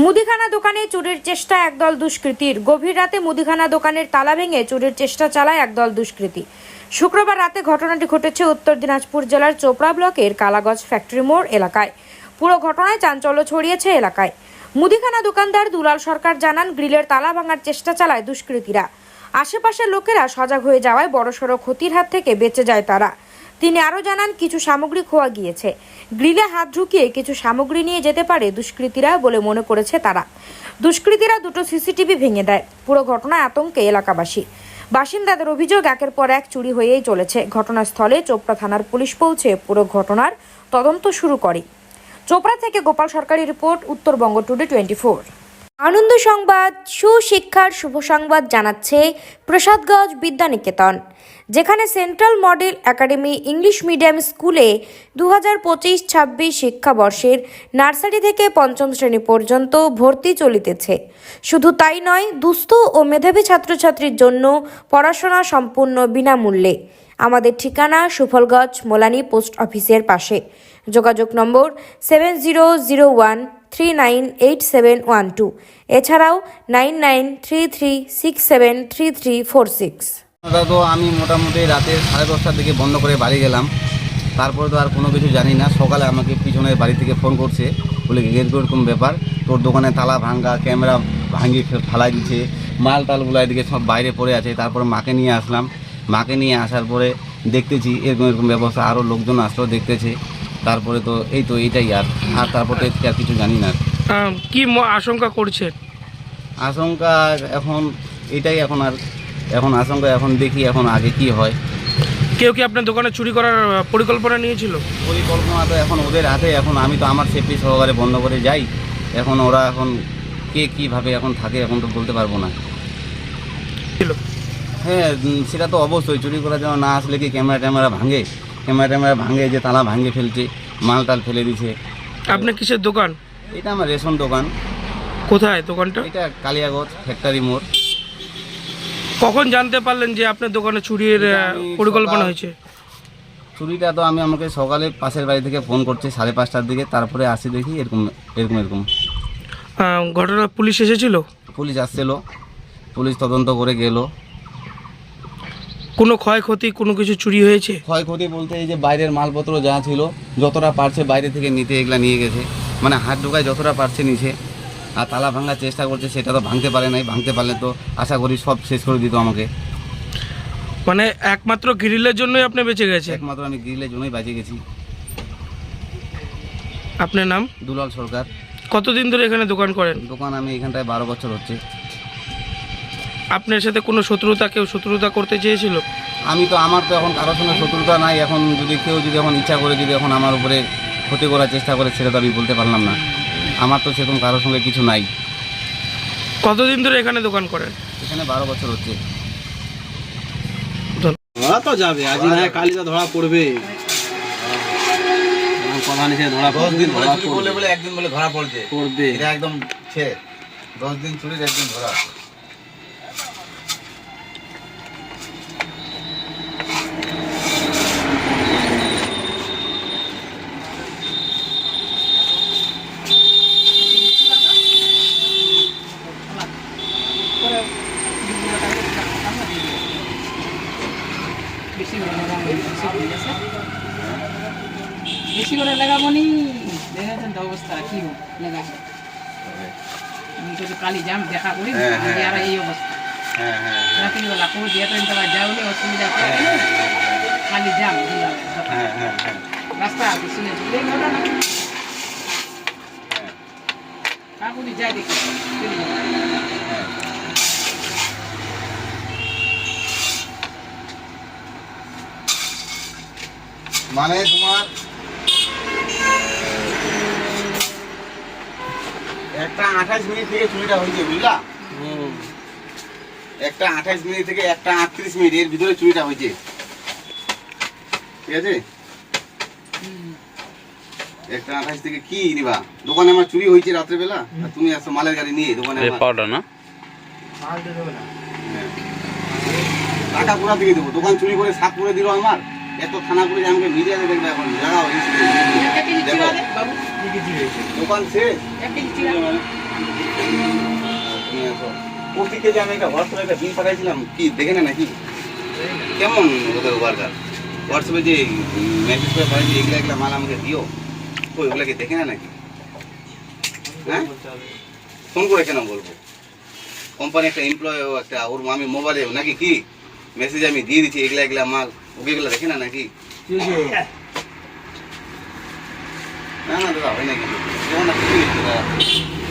মুদিখানা দোকানে চুরির চেষ্টা একদল দুষ্কৃতীর। গভীর রাতে মুদিখানা দোকানের তালা ভেঙে চুরির চেষ্টা চালায় একদল দুষ্কৃতী। শুক্রবার রাতে ঘটনাটি ঘটেছে উত্তর দিনাজপুর জেলার চোপড়া ব্লকের কালাগঞ্জ ফ্যাক্টরি মোড় এলাকায়। পুরো ঘটনায় চাঞ্চল্য ছড়িয়েছে এলাকায়। মুদিখানা দোকানদার দুলাল সরকার জানান, গ্রিলের তালা ভাঙার চেষ্টা চালায় দুষ্কৃতীরা। আশেপাশের লোকেরা সজাগ হয়ে যাওয়ায় বড়সড় ক্ষতির হাত থেকে বেঁচে যায় তারা। তিনি আরও জানান, কিছু সামগ্রী খোয়া গিয়েছে। গ্রিলে হাত ঢুকিয়ে কিছু সামগ্রী নিয়ে যেতে পারে দুষ্কৃতীরা বলে মনে করেছে তারা। দুষ্কৃতীরা দুটো সিসিটিভি ভেঙে দেয়। পুরো ঘটনায় আতঙ্কে এলাকাবাসী। বাসিন্দাদের অভিযোগ, একের পর এক চুরি হয়েই চলেছে। ঘটনাস্থলে চোপড়া থানার পুলিশ পৌঁছে পুরো ঘটনার তদন্ত শুরু করে। চোপড়া থেকে গোপাল সরকারের রিপোর্ট, উত্তরবঙ্গ টুডে 24। আনন্দ সংবাদ, সুশিক্ষার শুভ সংবাদ জানাচ্ছে প্রসাদগঞ্জ বিদ্যানিকেতন, যেখানে central model academy English medium স্কুলে 2025-26 শিক্ষাবর্ষের নার্সারি থেকে পঞ্চম শ্রেণী পর্যন্ত ভর্তি চলিতেছে। শুধু তাই নয়, দুস্থ ও মেধাবী ছাত্রছাত্রীর জন্য পড়াশোনা সম্পূর্ণ বিনামূল্যে। আমাদের ঠিকানা সুফলগঞ্জ মোলানি পোস্ট অফিসের পাশে। যোগাযোগ নম্বর 7001398712, এছাড়াও 9933673346। তো আমি মোটামুটি রাতে 10:30টার দিকে বন্ধ করে বাড়ি গেলাম। তারপরে তো আর কোনো কিছু জানি না। সকালে আমাকে পিছনের বাড়ি থেকে ফোন করছে, বলে এরকম ব্যাপার, তোর দোকানে তালা ভাঙ্গা, ক্যামেরা ভাঙিয়ে ফেলাই দিচ্ছে, মাল টালগুলো এদিকে সব বাইরে পড়ে আছে। তারপরে মাকে নিয়ে আসলাম। মাকে নিয়ে আসার পরে দেখতেছি এরকম ব্যবস্থা, আরও লোকজন আসলো, দেখতেছে। তারপরে তো এইটাই আর তারপরে তো আর কিছু জানি না। কি আশঙ্কা করছে? আশঙ্কা এখন এটাই, এখন আশঙ্কা, এখন দেখি এখন আগে কি হয়। কেউ কি আপনার দোকানে চুরি করার পরিকল্পনা নিয়েছিল? পরিকল্পনা তো এখন ওদের হাতে। এখন আমি তো আমার সেফটি সহকারে বন্ধ করে যাই। এখন ওরা এখন কে কীভাবে এখন থাকে এখন তো বলতে পারবো না। হ্যাঁ, সেটা তো অবশ্যই। চুরি করার জন্য না আসলে কি ক্যামেরা ভাঙে, যে তালা ভাঙে ফেলছে, মাল টাল ফেলে দিছে। আপনার কিসের দোকান? এটা আমার রেশন দোকান। কোথায় দোকানটা? এটা কালিয়াগঞ্জ ফ্যাক্টরি মোড়। কখন জানতে পারলেন যে আপনার দোকানে চুরির পরিকল্পনা হয়েছে? চুরিটা তো আমাকে সকালে পাশের বাড়ি থেকে ফোন করছে 5:30টার দিকে। তারপরে আসি, দেখি এরকম। ঘটনা পুলিশ এসেছিল? পুলিশ আসছিল, পুলিশ তদন্ত করে গেল। কোনো ক্ষয়ক্ষতি, কোনো কিছু চুরি হয়েছে? ক্ষয়ক্ষতি বলতে এই যে বাইরের মালপত্র যা ছিল, যতটা পারছে বাইরে থেকে নিতে এগুলা নিয়ে গেছে। মানে হাত ঢোকায় যতটা পারছে নিচে। আর তালা ভাঙার চেষ্টা করছে, সেটা তো ভাঙতে পারে নাই। ভাঙতে পারলে তো আশা করি সব শেষ করে দিত আমাকে। মানে একমাত্র গ্রিলের জন্যই আপনি বেঁচে গেছে? একমাত্র আমি গ্রিলের জন্যই বেঁচে গেছি। আপনার নাম? দুলাল সরকার। কতদিন ধরে এখানে দোকান করেন? দোকান আমি এখানটায় 12 বছর হচ্ছে। আপনার সাথে কোনো কেউ শত্রুতা করতে চেয়েছিল? আমার তো এখন কারোর সঙ্গে শত্রুতা নাই। এখন কেউ এখন ইচ্ছা করে এখন আমার উপরে ক্ষতি করার চেষ্টা করে, সেটা তো আমি বলতে পারলাম না। আমার তো সেরকম কারোর সঙ্গে কিছু নাই। কতদিন ধরে এখানে দোকান করেন? এখানে 12 বছর হচ্ছে। ধরা তো যাবে, আজ না কালিটা ধরা পড়বে। কথা নিচে ধরা পড়বে, বলে একদিন বলে ধরা পড়বে। এটা একদম 10 দিন চুরির, একদিন ধরা। বেশি করে লাগাবো নি, দেখেছেন তো অবস্থা কি লাগাবো। কালি জাম দেখা করি আর এই অবস্থা। রাত্রিবেলা কোনো দিয়ে তো যাওয়ালে অসুবিধা কালি জাম রাস্তা বেশি কাকুনি যাই দেখি। মানে তোমার একটা 28 মিনিট থেকে চুরিটা হয়েছে, বুঝলা? একটা 28 মিনিট থেকে একটা 38 মিনিট এর ভিতরে চুরিটা হয়েছে, ঠিক আছে? একটা 28 থেকে কি নিবা? দোকানে আমার চুরি হয়েছে রাত্রেবেলা, আর তুমি আসছো মালের গাড়ি নিয়ে দোকানে। পাউডার না মাল দিয়ে দেবে না, টাকা কোথা থেকে দেবো? দোকান চুরি করে সাফ করে দিল আমার। এত থানা পুলিশ আমাকে মিডিয়াতে দেখবে এখন। জায়গা দোকান শেষ। কালকে যে আমি একটা হোয়াটসঅ্যাপে একটা বিল পাঠাইছিলাম, কি দেখে না নাকি? কেমন ওদের ওয়ার্কার? হোয়াটসঅ্যাপে যে মেসেজ করে পাঠাইছি এগুলা এগুলা মাল আমাকে দিও, ওই ওগুলাকে দেখে না নাকি? হ্যাঁ, ফোন করে কেন বলবো? কোম্পানি একটা এমপ্লয় একটা ওর আমি মোবাইলে নাকি কি মেসেজ আমি দিয়ে দিচ্ছি এগুলা এগুলা মাল, ওকে এগুলা দেখে না নাকি? না না দাদা হয় নাকি? যেমন না কিছু দাদা